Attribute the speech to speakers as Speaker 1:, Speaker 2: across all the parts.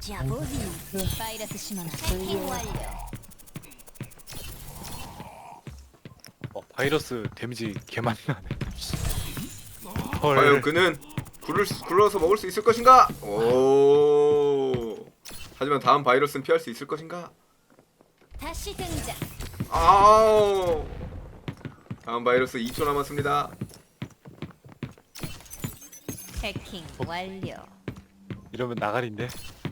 Speaker 1: 바이러스 신호나 해킹 완료.
Speaker 2: 바이러스 데미지 개 많이 나네.
Speaker 3: 과연 그는 굴러서 먹을 수 있을 것인가? 오. 하지만 다음 바이러스는 피할 수 있을 것인가?
Speaker 1: 다시 등장.
Speaker 3: 아우. 다음 바이러스 2초 남았습니다.
Speaker 1: 해킹 완료.
Speaker 2: 이러면 나가린데.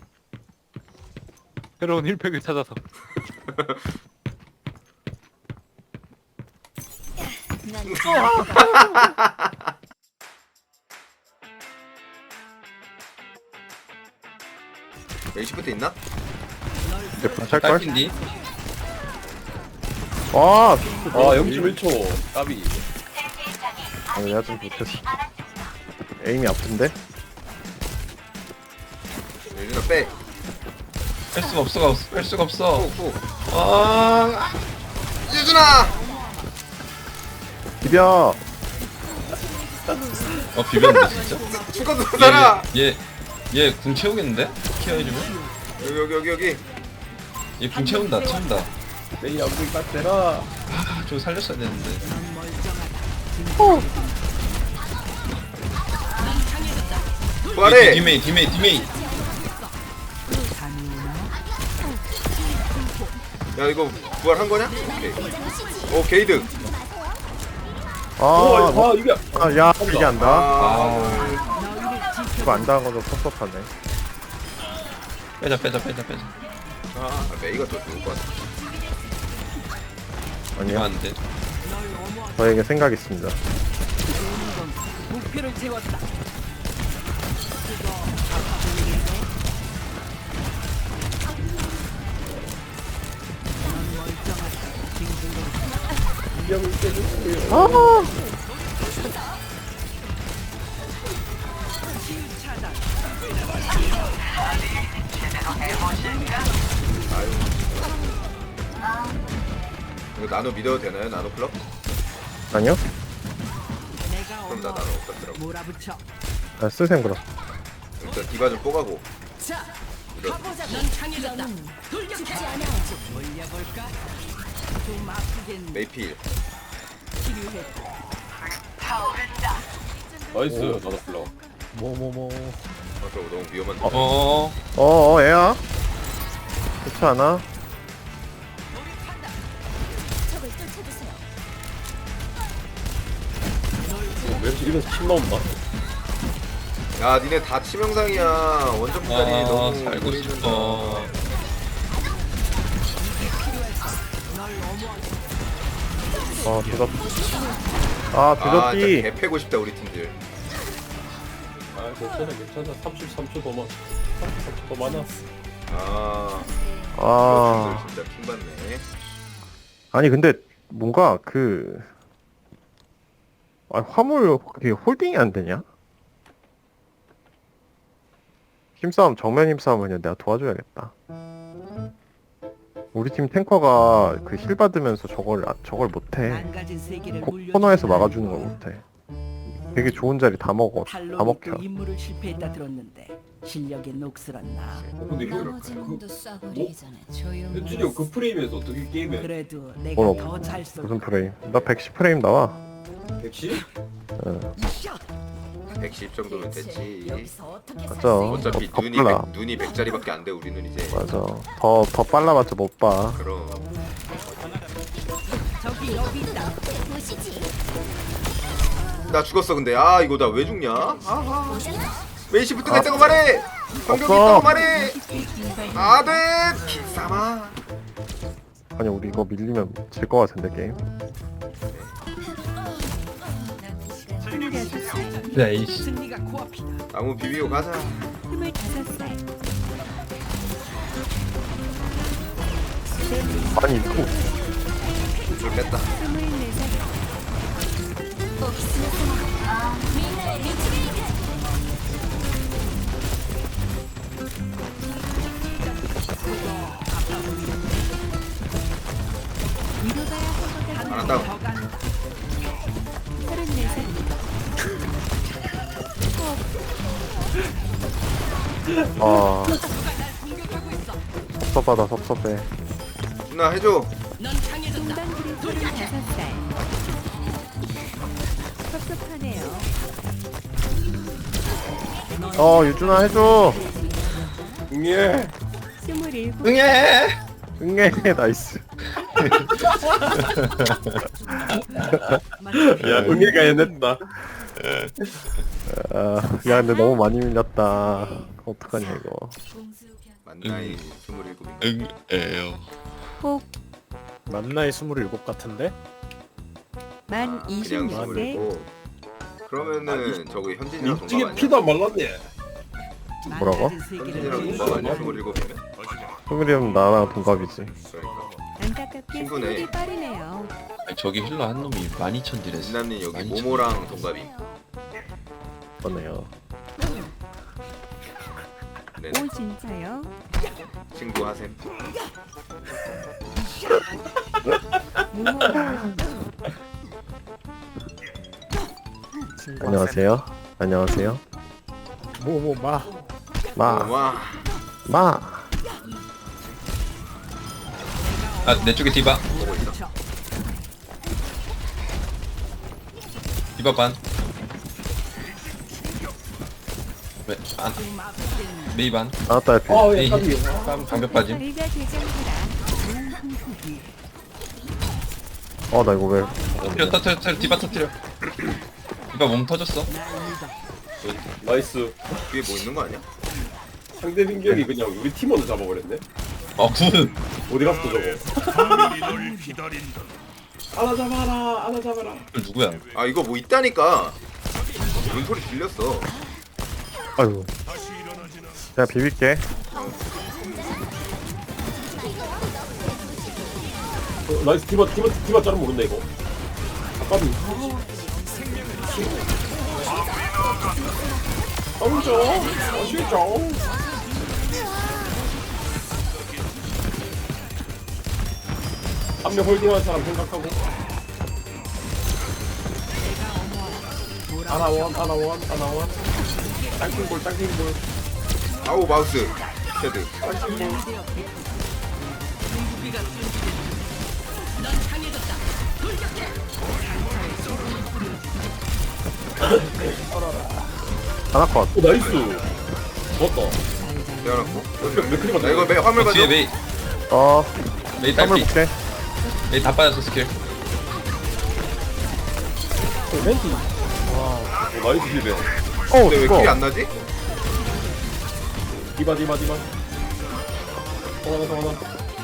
Speaker 2: 새로운 힐팩을 찾아서.
Speaker 1: 난
Speaker 3: 메이시부터 있나?
Speaker 4: 이제 찰걸?
Speaker 5: 딸핀디?
Speaker 4: 와!
Speaker 5: 아 0.1초 까비.
Speaker 4: 내가 좀 못했어. 에임이 아픈데?
Speaker 3: 예준아 빼.
Speaker 5: 뺄 수가 없어. 뺄 수가 없어.
Speaker 3: 후.
Speaker 5: 아
Speaker 3: 예준아.
Speaker 4: 비벼!
Speaker 5: 비볐는데 진짜?
Speaker 3: 죽어도 살아.
Speaker 5: 얘궁 채우겠는데? 케어해주면?
Speaker 3: 여기.
Speaker 5: 얘 궁 채운다.
Speaker 4: 내 양궁 깎대라!
Speaker 5: 아 저거 살렸어야 되는데.
Speaker 3: 부활해.
Speaker 5: 디메이.
Speaker 3: 야 이거 부활한 거냐? 오케이. 오 게이드.
Speaker 5: 이게
Speaker 4: 야, 이게 안다.
Speaker 3: 아.
Speaker 4: 이거 안 당한 거도 섭섭하네.
Speaker 5: 빼자.
Speaker 3: 메이가 더 좋을 것 같아.
Speaker 5: 이거
Speaker 4: 아니야,
Speaker 5: 안 돼.
Speaker 4: 저에게 생각 있습니다.
Speaker 3: 이거 나노 믿어도 되나요? 나노 클럽?
Speaker 4: 아니요?
Speaker 3: 그럼 나 나노 없었더라고.
Speaker 6: 몰아붙여.
Speaker 4: 아, 쓰셈 그럼.
Speaker 3: 일단 디바 좀 뽀가고.
Speaker 6: 자,
Speaker 3: 이런.
Speaker 6: 가보자. 넌 강해졌다. 돌격해. 올려볼까? 좀 아프겠네.
Speaker 3: 메이필.
Speaker 6: 치료했고.
Speaker 5: 나이스. 나도 불러.
Speaker 3: 아, 저거 너무 위험한데.
Speaker 4: 애야? 그렇지 않아?
Speaker 1: 적을 쫓아주세요.
Speaker 3: 야, 니네 다 치명상이야. 원정 부단이 너무
Speaker 5: 살고
Speaker 3: 보이는다.
Speaker 5: 싶어.
Speaker 4: 늦었.
Speaker 3: 아,
Speaker 4: 늦었디.
Speaker 3: 진짜 개 패고 싶다 우리 팀들.
Speaker 5: 괜찮아. 33초 더 많아.
Speaker 3: 우리 팀들 진짜 킹받네.
Speaker 4: 아니, 근데, 뭔가, 화물, 그게 홀딩이 안 되냐? 정면 힘싸움 그냥 내가 도와줘야겠다. 우리 팀 탱커가 힐 받으면서 저걸 못해.
Speaker 6: 망가진 세계를
Speaker 4: 코너에서 막아주는 걸 못해. 되게 좋은 자리 다 먹혀.
Speaker 6: 탈로도 임무를 실패했다 들었는데 실력이 녹슬었나?
Speaker 1: 나머지 놈도 쏴버리기 전에 조용히.
Speaker 5: 현준이 그 프레임에서 어떻게 게임해?
Speaker 6: 그래도 내가
Speaker 4: 뭐,
Speaker 6: 더 잘 쏘.
Speaker 4: 무슨 프레임? 나 110프레임 나와.
Speaker 5: 110?
Speaker 3: 110 정도면 됐지.
Speaker 1: 여기서 어떻게
Speaker 4: 맞아.
Speaker 1: 살수
Speaker 3: 어차피
Speaker 4: 더
Speaker 3: 눈이
Speaker 4: 빨라.
Speaker 3: 눈이 100짜리밖에 안 돼. 우리는 이제.
Speaker 4: 맞아. 더 빨라봤자 못 봐.
Speaker 3: 그럼.
Speaker 6: 저기 여기 있다.
Speaker 1: 보시지.
Speaker 3: 나 죽었어 근데. 아 이거 나 왜 죽냐? 아하. 메이시부 뜨겠다고 말해. 공격이
Speaker 4: 없어.
Speaker 3: 있다고 말해. 아들 기사마.
Speaker 4: 아니, 우리 이거 밀리면 질 것 같은데, 게임.
Speaker 5: 야 이씨.
Speaker 6: 승리가 코앞이다.
Speaker 3: 나무 비비고 가자.
Speaker 1: 25살.
Speaker 4: 아니, 이거.
Speaker 3: 줄 뺐다.
Speaker 1: 24살. 민나의 미치게이트.
Speaker 3: 안 한다고.
Speaker 1: 34살.
Speaker 4: 아, 섭섭하다 섭섭해.
Speaker 3: 준아 해줘.
Speaker 1: 동방구리 35살. 섭섭하네요.
Speaker 4: 유준아 해줘.
Speaker 5: 응애.
Speaker 1: 27.
Speaker 4: 응애 나이스.
Speaker 5: 야 응애가 해냈다.
Speaker 4: 야 근데 너무 많이 밀렸다. 어떡하냐 이거.
Speaker 3: 만나이 27인가?
Speaker 7: 응애요.
Speaker 1: 혹
Speaker 2: 만나이 27 같은데?
Speaker 1: 만
Speaker 3: 그냥
Speaker 1: 26세.
Speaker 3: 27. 그러면은 저거 현진이랑
Speaker 5: 민증에
Speaker 3: 동갑
Speaker 5: 피도
Speaker 3: 아니야?
Speaker 5: 안 말랐네.
Speaker 4: 뭐라고?
Speaker 3: 현진이랑 동갑 아니야? 27이면?
Speaker 4: 승일이형 나랑 동갑이지.
Speaker 3: 그러니까.
Speaker 1: 안타깝게
Speaker 3: 친구네.
Speaker 1: 스킬이 빠르네요.
Speaker 7: 아니, 저기 힐러 한 놈이 12,000 딜했어.
Speaker 3: 진남님 여기
Speaker 7: 12,000.
Speaker 3: 모모랑 동갑이.
Speaker 4: 그러네요.
Speaker 3: 네,
Speaker 1: 오 진짜요?
Speaker 3: 친구 하셈.
Speaker 1: 무모.
Speaker 4: 안녕하세요. 안녕하세요.
Speaker 2: 뭐마
Speaker 3: 와,
Speaker 4: 마.
Speaker 7: 아, 내 쪽에 디바.
Speaker 3: 보고 있어.
Speaker 7: 디바 반. 왜? 안. 메이 반.
Speaker 4: 나왔다 해피.
Speaker 7: 메이 힐. 방벽 빠짐.
Speaker 1: 다리가 대장이라.
Speaker 4: 나 이거 왜?
Speaker 7: 터뜨려. 디바 터뜨려. 디바 몸 터졌어.
Speaker 5: 나이스.
Speaker 3: 뒤에 뭐 있는 거 아니야?
Speaker 5: 상대 빙결이 그냥 우리 팀원을 잡아버렸네.
Speaker 7: 굿.
Speaker 5: 어디 갔어 저거? 하나 잡아라. 하나 잡아라.
Speaker 7: 저 누구야?
Speaker 3: 아 이거 뭐 있다니까. 뭔 소리 들렸어.
Speaker 4: 아이고. 제가 비빌게.
Speaker 5: 나이스 디바 자르면 모른다 이거. 아까비. 싸우죠. 아시죠? 한 명 홀딩한 사람 생각하고. 하나원. 땅킹볼.
Speaker 3: 아우 마우스. 헤드.
Speaker 4: 하나 컷.
Speaker 5: 오 나이스. 좋았다.
Speaker 3: 대어놨고.
Speaker 5: 맥크리가
Speaker 3: 나 이거 화물 봐줘.
Speaker 7: 뒤에 메이. 메이
Speaker 4: 땀을
Speaker 7: 딸피.
Speaker 4: 볼게.
Speaker 7: 메이 다 빠졌어 스킬.
Speaker 5: 오 나이스 힐베.
Speaker 3: 근데 왜
Speaker 4: 이거.
Speaker 3: 킬이 안 나지?
Speaker 5: 디바. 성하나.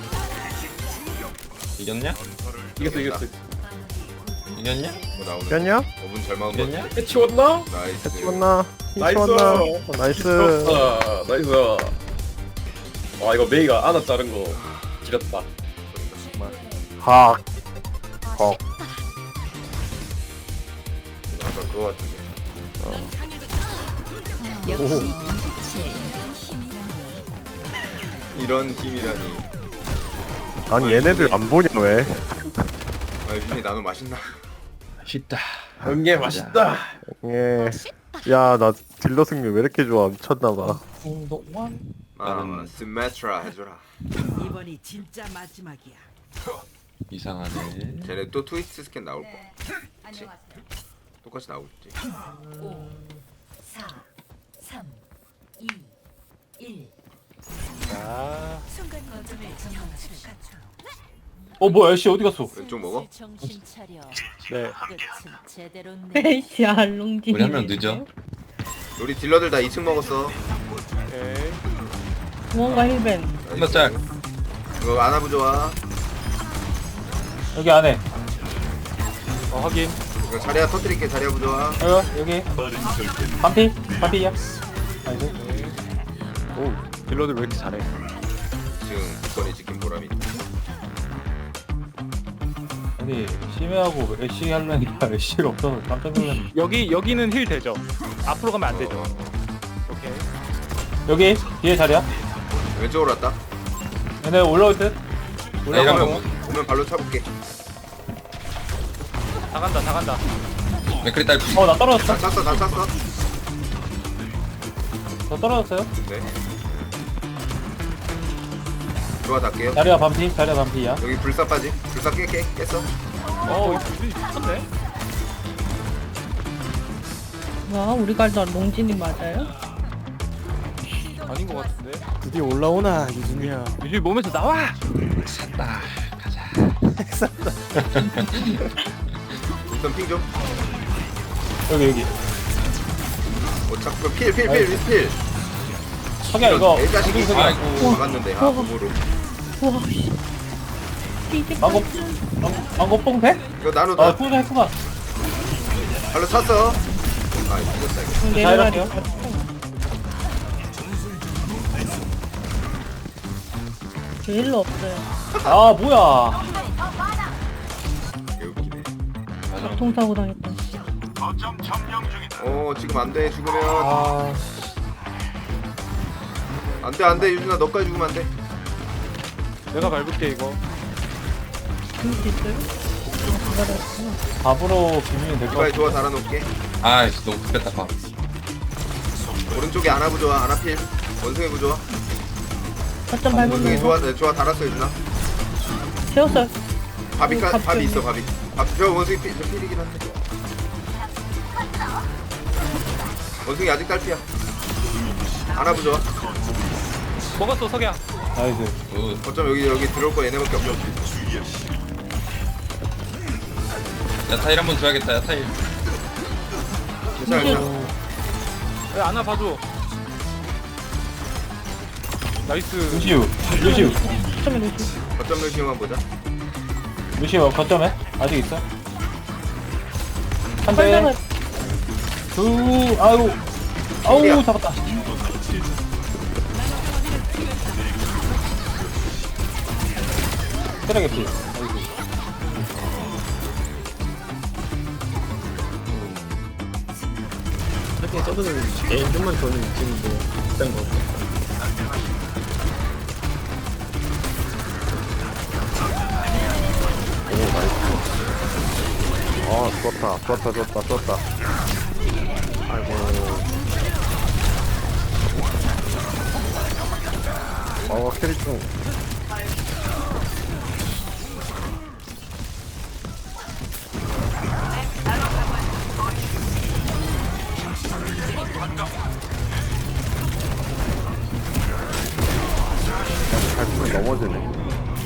Speaker 7: 이겼냐?
Speaker 5: 이겼어.
Speaker 7: 이겼냐?
Speaker 3: 뭐 나오네.
Speaker 4: 겼냐?
Speaker 3: 5분 잘 막은 거.
Speaker 7: 이겼냐?
Speaker 5: 해치웠나?
Speaker 3: 나이스.
Speaker 4: 치웠나?
Speaker 5: 나이스.
Speaker 4: 치웠나? 나이스.
Speaker 5: 나이스. 아 이거 메이가 하나 자른 거 지렸다.
Speaker 4: 학. 헉.
Speaker 3: 아까 그거 같은데.
Speaker 1: 역시
Speaker 3: 이런 팀이라니.
Speaker 4: 아니 얘네들 안 보냐 왜?
Speaker 3: 아 유진이 나눠 맛있나?
Speaker 7: 맛있다.
Speaker 5: 연계 맛있다.
Speaker 4: 예. 야 나 딜러 승률 왜 이렇게 좋아? 미쳤나봐.
Speaker 3: 아 스메트라 해줘라.
Speaker 6: 이번이 진짜 마지막이야.
Speaker 7: 이상하네.
Speaker 3: 쟤네 또 트위스트 스캔 나올 거. 그치? 똑같이 나오겠지.
Speaker 1: 4, 3, 2, 1.
Speaker 2: 자
Speaker 1: 순간 거점을 정확히
Speaker 5: 뭐야 애쉬 어디 갔어?
Speaker 3: 왼쪽 먹어?
Speaker 1: 정신 차려.
Speaker 2: 네.
Speaker 1: 끝은 제대로
Speaker 8: 에이씨 알롱지.
Speaker 7: 우리 한 명 늦어.
Speaker 3: 우리 딜러들 다 2층 먹었어.
Speaker 2: 오케이
Speaker 8: 뭔가 힐벤.
Speaker 7: 한번 짤.
Speaker 3: 이거 안아부 좋아.
Speaker 5: 여기 안에.
Speaker 2: 확인
Speaker 3: 이거 자리야 터뜨릴게. 자리야 부 좋아.
Speaker 5: 여기. 반피야. 나이스.
Speaker 2: 오 딜러들 왜 이렇게 잘해
Speaker 3: 지금 국건이 지킨 보람이.
Speaker 5: 아니 심해하고 애쉬 하려니까 애쉬가 없어서 깜짝 놀랐네.
Speaker 2: 여기는 힐 되죠? 앞으로 가면 안 되죠? 오케이
Speaker 5: 여기 뒤에 자리야.
Speaker 3: 왼쪽으로 왔다.
Speaker 5: 얘네 올라올 듯.
Speaker 7: 이러면
Speaker 3: 오면 발로 차볼게.
Speaker 2: 다 간다
Speaker 7: 맥크리 딸피.
Speaker 5: 나 떨어졌어.
Speaker 3: 다 찼어.
Speaker 5: 저 떨어졌어요.
Speaker 3: 네. 좋아 닿게요.
Speaker 9: 자리야 반피, 자리야 반피야.
Speaker 3: 여기 불사 빠지. 불사 깼어.
Speaker 2: 어, 이거 미쳤네.
Speaker 8: 와 우리 갈다 롱진이 맞아요?
Speaker 2: 아닌 것 같은데.
Speaker 4: 드디어 올라오나 유진이야.
Speaker 2: 유진이 몸에서 나와.
Speaker 7: 샀다. 가자.
Speaker 3: 우선 핑 좀.
Speaker 9: 여기.
Speaker 3: 자꾸 필.
Speaker 9: 석야 이거
Speaker 3: 개자식이.
Speaker 9: 무슨 석야?
Speaker 7: 아이고.
Speaker 3: 막았는데 몸으로.
Speaker 8: 우와 씨 이게
Speaker 9: 방금 뽕 돼?
Speaker 3: 이거 나누다.
Speaker 9: 아 풍선 했구나.
Speaker 3: 발로 찼어. 아 죽었다 이거.
Speaker 8: 내려가려 제일로 없어요
Speaker 9: 아 뭐야?
Speaker 3: 개웃기네.
Speaker 8: 교통사고 당했다
Speaker 3: 지금 안돼 죽으면.
Speaker 9: 아
Speaker 3: 안돼 유진아 너까지 죽으면 안돼.
Speaker 2: 내가 밟을게 이거.
Speaker 8: 죽을 수 있어요? 기다렸구나
Speaker 9: 밥으로 비비면 될 것
Speaker 3: 이바에
Speaker 9: 같아.
Speaker 3: 좋아 달아놓을게.
Speaker 7: 아이씨 너무 급했다 밥.
Speaker 3: 오른쪽에 아나 부좋아. 아나 필. 원숭이 부좋아.
Speaker 8: 거점
Speaker 3: 원숭이
Speaker 8: 밟으면
Speaker 3: 좋아. 네, 좋아 달았어 유진아.
Speaker 8: 채웠어요
Speaker 3: 밥이
Speaker 8: 밥
Speaker 3: 밥이 있어
Speaker 8: 좀.
Speaker 3: 밥이. 저 원숭이 저 필이긴 한데. 원숭이 아직 딸피야. 아나 부좋아.
Speaker 2: 먹었어 석야.
Speaker 9: 나이스.
Speaker 3: 어쩜 여기 들어올 거 얘네밖에 없어.
Speaker 7: 야타일 한번 줘야겠다. 야타일.
Speaker 3: 괜찮아.
Speaker 2: 왜 안아 봐줘. 나이스.
Speaker 9: 루시우.
Speaker 8: 거점에 놓지
Speaker 3: 어쩜 루시오만 보자.
Speaker 9: 루시우 거점에 아직 있어. 한
Speaker 8: 설명을
Speaker 9: 대. 둘. 아우
Speaker 3: 필이야.
Speaker 9: 잡았다. 쓰레기.
Speaker 4: 하긴 저거는 개인 좀만 더는 느낌인데 비싼 거 같아. 오 나이스. 좋았다. 아이고. 캐리 좀. 발품이 넘어지네.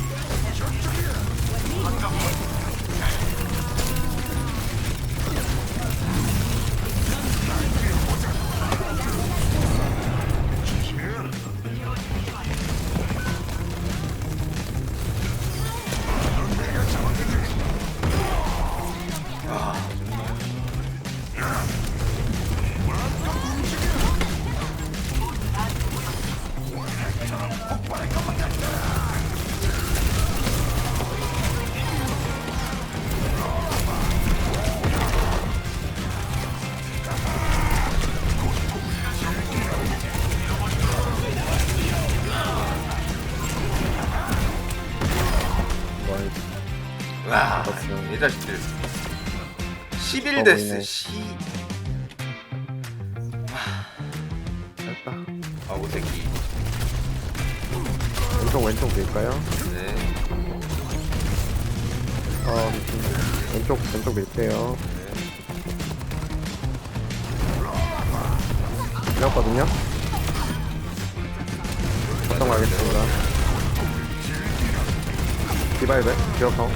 Speaker 3: 와, 이 자식들. 11데스 씨.
Speaker 4: 됐다.
Speaker 3: 아, 오새끼.
Speaker 4: 왼쪽 밀까요?
Speaker 3: 네.
Speaker 4: 왼쪽 밀게요. 밀었거든요? 걱정 가겠습니다. 디바이브, 디어펑.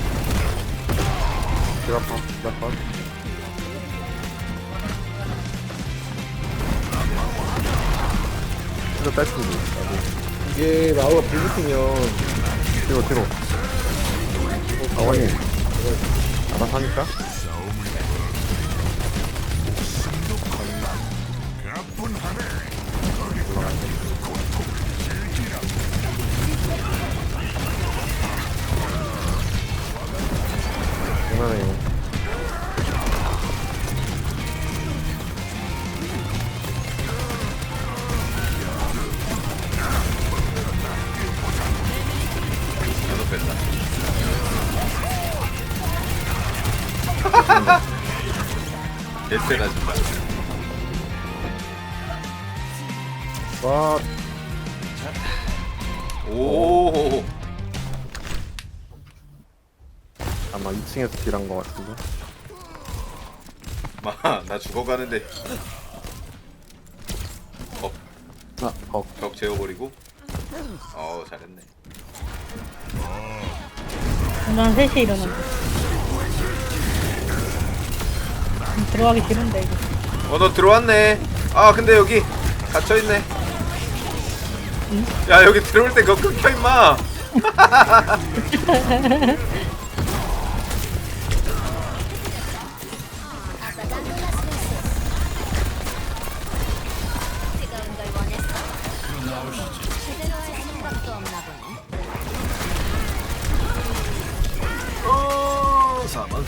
Speaker 4: 이거 뺐습니다. 이게 마우가 불붙으면 뒤로. 아원이 알아서 하니까. 장난해요.
Speaker 3: 나도 뺐다. 개쎄다 진짜.
Speaker 4: 와,
Speaker 3: 오.
Speaker 4: 아마 2층에서 딜한 거 같은데.
Speaker 3: 나 죽어가는데. 벽 재워버리고. 잘했네.
Speaker 8: 난 3시에 일어난다. 들어가기 싫은데 이거.
Speaker 3: 너 들어왔네. 근데 여기 갇혀있네. 야, 여기 들어올 때 그거 끊겨, 임마. 사망.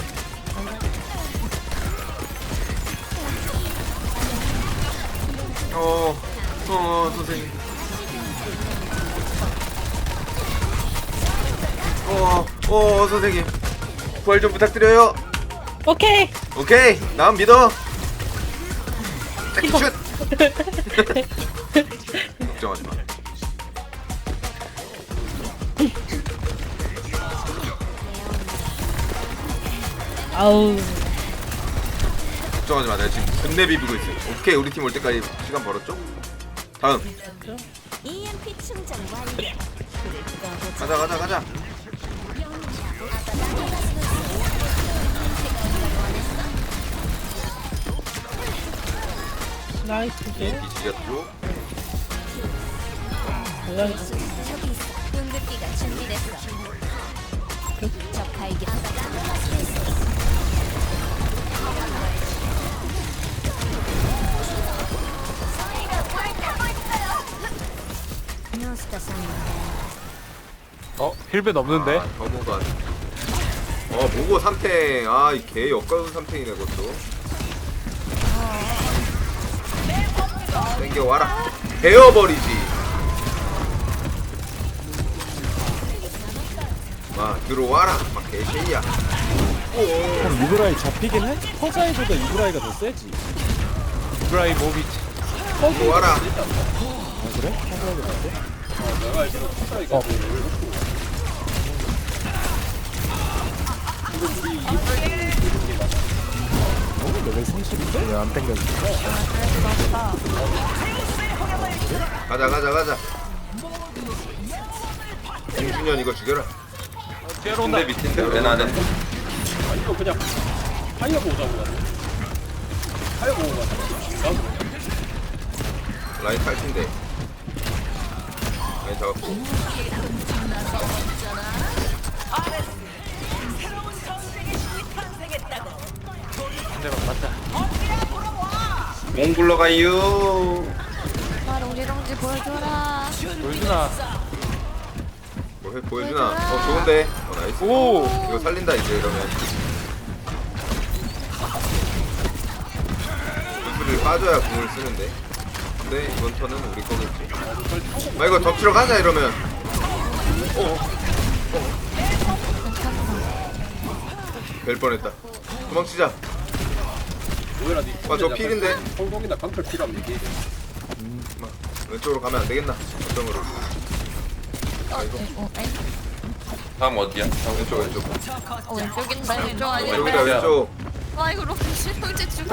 Speaker 3: 선생님. 선생님. 부활 좀 부탁드려요.
Speaker 8: 오케이.
Speaker 3: 오케이, 난 믿어. 슛. 걱정하지 마.
Speaker 8: 아우.
Speaker 3: 걱정하지 마. 내가 지금 끝내 비비고 있어. 오케이, 우리 팀 올 때까지 시간 벌었죠? 다음.
Speaker 1: EMP 충전 완료.
Speaker 3: 가자.
Speaker 8: 나이스.
Speaker 3: EMP 지졌죠?
Speaker 1: 저기 있어. 궁극기가 준비됐어. 적 발견.
Speaker 2: 힐벤 없는데?
Speaker 3: 더모가. 모고 삼탱. 이 개 역가운 삼탱이네, 그것도. 땡겨와라. 베어버리지. 들어와라. 개쉐이야.
Speaker 9: 그럼 이브라이 잡히긴 해? 허자이보다 이브라이가 더 세지.
Speaker 2: 브라이 모비.
Speaker 3: 들어와라.
Speaker 9: 아 그래? 허자이가 더 세?
Speaker 5: 내가 알기로 투자이가
Speaker 9: 레벨 30인데?
Speaker 4: 왜 안 땡겼어?
Speaker 3: 가자. 김준현 이거 죽여라.
Speaker 5: 근데 밑인데 왜 나는?
Speaker 9: 이거 그냥 파이어 보자고 가네. 파이어 보고 가자.
Speaker 3: 라인 탈진데. 라인 잡았고.
Speaker 2: 상대방 맞다.
Speaker 5: 몽 굴러가요.
Speaker 1: 롱지롱지 보여줘라.
Speaker 2: 보여주나?
Speaker 3: 보여주나? 좋은데. 나이스.
Speaker 2: 오!
Speaker 3: 이거 살린다 이제 이러면. 구슬을 빠져야 궁을 쓰는데. 근데 이번 턴은 우리 거겠지. 이거 덮치러 가자 이러면. 될 뻔했다. 도망치자. 저 필인데.
Speaker 5: 성공이나 강철 필요하면 얘기해.
Speaker 3: 왼쪽으로 가면 안 되겠나? 어정으로.
Speaker 5: 다음 어디야?
Speaker 3: 왼쪽.
Speaker 1: 왼쪽인데 왼쪽 아니야?
Speaker 3: 여기다 왼쪽.
Speaker 1: 이거 롱지 형제 죽여.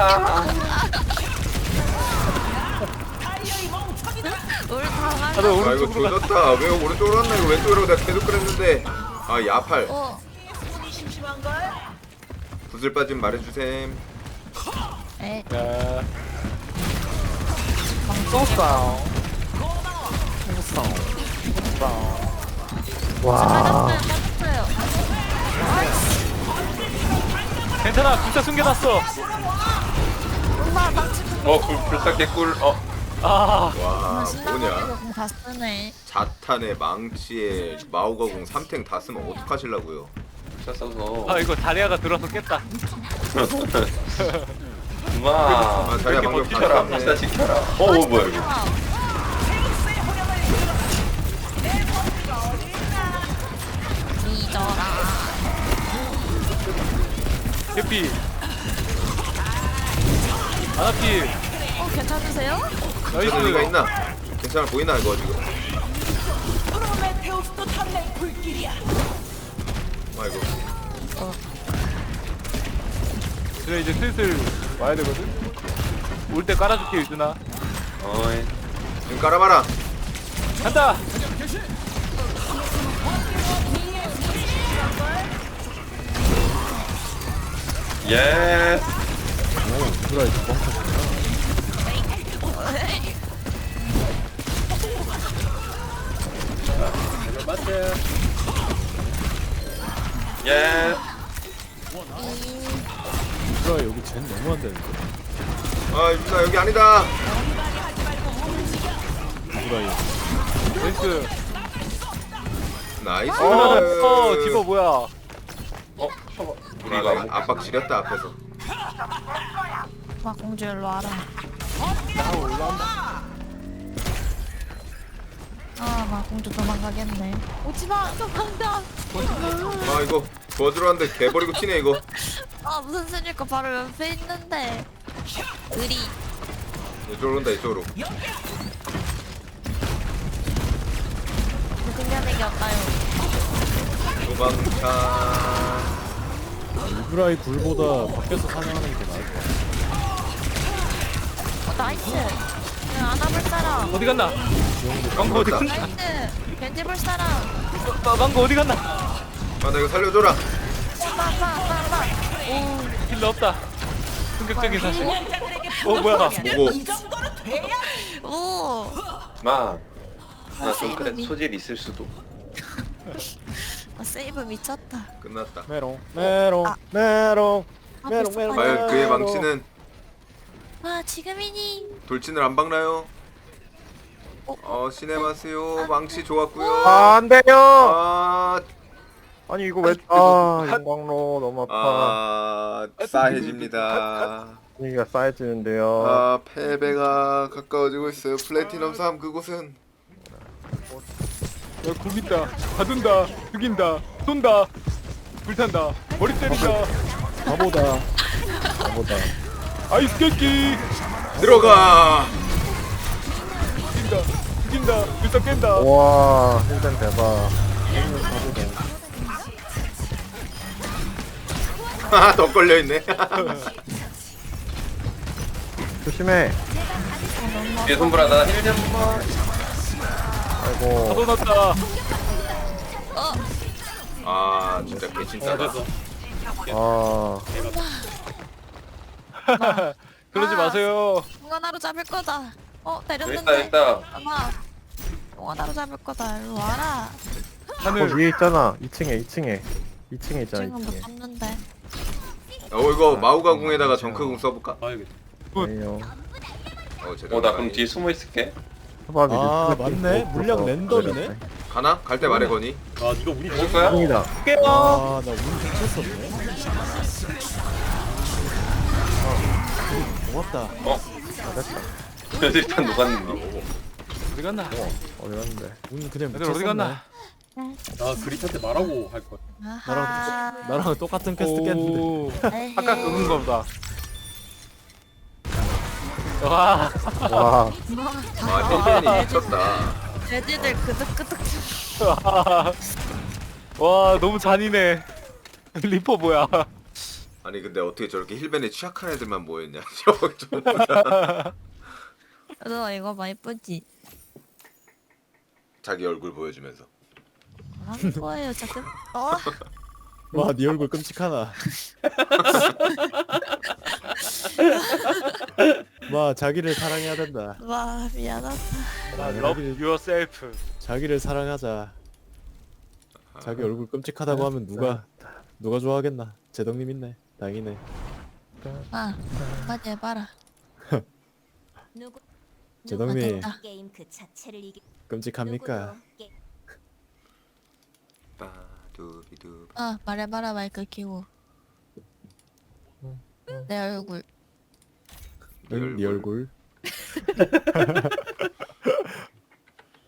Speaker 1: 우리 당한.
Speaker 2: 다들
Speaker 3: 이거
Speaker 2: 오른쪽으로 가.
Speaker 3: 조졌다. 왜 오른쪽으로 갔나? 이거 왼쪽으로 내가 계속 그랬는데. 야팔. 구슬 빠짐 말해주셈.
Speaker 2: 야. 쏘싸.
Speaker 4: 와.
Speaker 2: 괜찮아, 불사 숨겨놨어.
Speaker 5: 불사 개꿀.
Speaker 3: 와, 뭐냐?
Speaker 1: 다 쓰네.
Speaker 3: 자탄에 망치에 마오가공 3탱 다 쓰면 어떡하실라고요?
Speaker 5: 불사 써서.
Speaker 2: 이거 다리아가 들어서 깼다.
Speaker 5: 엄마.
Speaker 3: 자리야 방금
Speaker 5: 지켜라.
Speaker 3: 봤네.
Speaker 5: 불사 지켜라. 뭐야 이거?
Speaker 1: 잊어라.
Speaker 2: 해피. 아나피.
Speaker 1: 괜찮으세요?
Speaker 3: 저는 이가
Speaker 2: 나이스.
Speaker 3: 있나? 괜찮아 보이나 이거 지금?
Speaker 6: 제우스도 탐낼 불길이야.
Speaker 3: 아이고.
Speaker 2: 그래 이제 슬슬 와야 되거든. 올 때 깔아줄게 유준아.
Speaker 5: 어이.
Speaker 3: 좀 깔아봐라.
Speaker 2: 간다.
Speaker 5: 예.
Speaker 4: 누구라 이거 뻥쳐.
Speaker 9: 제발 맞대.
Speaker 5: 예.
Speaker 4: 누구라 여기 쟨 너무 안 되는데.
Speaker 3: 아 유준아 여기 아니다.
Speaker 4: 누구라 이.
Speaker 2: 나이스.
Speaker 3: 나이스.
Speaker 2: 디버 뭐야?
Speaker 3: 우리 이거 압박 지렸다 앞에서.
Speaker 1: 와 공주 일로 와라. 아마 공주 도망가겠네. 오지마 도망가.
Speaker 3: 아 이거 도와주러 왔는데 개버리고 튀네 이거.
Speaker 1: 아 무슨 소리일까 바로 옆에 있는데. 의리.
Speaker 3: 이쪽으로 온다 이쪽으로.
Speaker 1: 생겨내기 없다요.
Speaker 3: 도망차.
Speaker 4: 누구라이 굴보다 밖에서 사냥하는 게 나을 것 같아.
Speaker 1: 나이스. 안아볼 사람.
Speaker 2: 어디 갔나? 망고 어디 갔나?
Speaker 1: 나이스. 벤지 볼 사람.
Speaker 2: 망고 어디 갔나?
Speaker 3: 아 나 이거 살려줘라.
Speaker 1: 빠빠빠빠.
Speaker 2: 힐러 없다. 충격적인 사실. 뭐야?
Speaker 3: 뭐고?
Speaker 6: 이 정도는 돼야.
Speaker 1: 오.
Speaker 5: 마. 나좀 그래 소질 있을 수도.
Speaker 1: 아, 세이브 미쳤다.
Speaker 3: 끝났다.
Speaker 4: 메롱 메롱 메롱
Speaker 1: 아,
Speaker 4: 메롱
Speaker 1: 벌써
Speaker 4: 메롱.
Speaker 3: 과연 그의 망치는
Speaker 1: 와 지금이니.
Speaker 3: 돌진을 안 박나요? 시네마스요. 망치 좋았고요.
Speaker 4: 아, 안 돼요.
Speaker 3: 아,
Speaker 4: 아니 이거 왜? 아 용광로 너무 아파.
Speaker 3: 싸해집니다.
Speaker 4: 분위기가 쌓여지는데요.
Speaker 3: 아, 패배가 가까워지고 있어요. 플래티넘 3 그곳은.
Speaker 2: 야, 굶긴다, 가둔다, 죽인다, 쏜다, 불탄다, 머리 때린다,
Speaker 4: 바보다. 바보다.
Speaker 2: 아이스 깨끼,
Speaker 3: 들어가.
Speaker 2: 죽인다, 불사 깬다.
Speaker 4: 와 힐den 대박. 힐den 바보다.
Speaker 3: 아, 더 걸려 있네.
Speaker 4: 조심해.
Speaker 5: 뒤에 손불하다 힐 좀.
Speaker 4: 아이고.
Speaker 2: 가둬놨다.
Speaker 3: 아, 진짜 개친짜다.
Speaker 9: 됐어.
Speaker 4: 아
Speaker 2: 그러지 마세요.
Speaker 1: 동원하러 잡을 거다.
Speaker 5: 여기
Speaker 1: 때렸는데.
Speaker 5: 있다.
Speaker 1: 아마 동원하러 잡을 거다. 일로 와라.
Speaker 2: 하늘.
Speaker 4: 위에 있잖아. 2층에 있잖아.
Speaker 1: 지금 못
Speaker 4: 2층에.
Speaker 1: 잡는데.
Speaker 3: 이거 마우가 궁에다가 정크궁 써볼까?
Speaker 9: 봐야겠다.
Speaker 4: 아니요.
Speaker 3: 제대로.
Speaker 5: 나 그럼 뒤에 숨어 있을게.
Speaker 4: 아 맞네. 물량 랜덤이네.
Speaker 3: 가나? 갈 때 말해 거니.
Speaker 9: 아 네가 운이
Speaker 5: 올 거야?
Speaker 4: 다
Speaker 2: 깨워.
Speaker 4: 아나운 미쳤었네. 고맙다. 잘했다.
Speaker 5: 일단 녹았는데.
Speaker 2: 어디 갔나?
Speaker 4: 어디 갔는데?
Speaker 10: 운 그냥
Speaker 2: 애들 어디 갔나?
Speaker 9: 나 그릿한테 말하고 할 거야.
Speaker 1: 아하.
Speaker 10: 나랑 똑같은 퀘스트 깼는데.
Speaker 2: 오,
Speaker 1: 에헤이.
Speaker 2: 아까 그건 거보다. 와,
Speaker 4: 와
Speaker 3: 아, 힐벤이 미쳤다.
Speaker 1: 돼지들 그득그득.
Speaker 2: 와 너무 잔인해. 리퍼 뭐야?
Speaker 3: 아니 근데 어떻게 저렇게 힐벤에 취약한 애들만 모였냐? 저거 전부 다
Speaker 1: 너 이거 봐 이쁘지?
Speaker 3: 자기 얼굴 보여주면서.
Speaker 1: 뭐라는 거예요 지금?
Speaker 10: 와, 네 얼굴 끔찍하나. 와, 자기를 사랑해야 된다.
Speaker 1: 와 미안하다.
Speaker 2: Love yourself.
Speaker 10: 자기를 사랑하자. 자기 얼굴 끔찍하다고 하면 누가 좋아하겠나? 제덕님 있네. 다행이네.
Speaker 1: 아 한마디 해봐라.
Speaker 10: 제덕님
Speaker 1: 됐다.
Speaker 11: 게임 그 자체를 이기
Speaker 10: 끔찍합니까?
Speaker 3: 빠두비두.
Speaker 1: 말해봐라 마이크 키고. 내 얼굴.
Speaker 10: 응, 네 얼굴.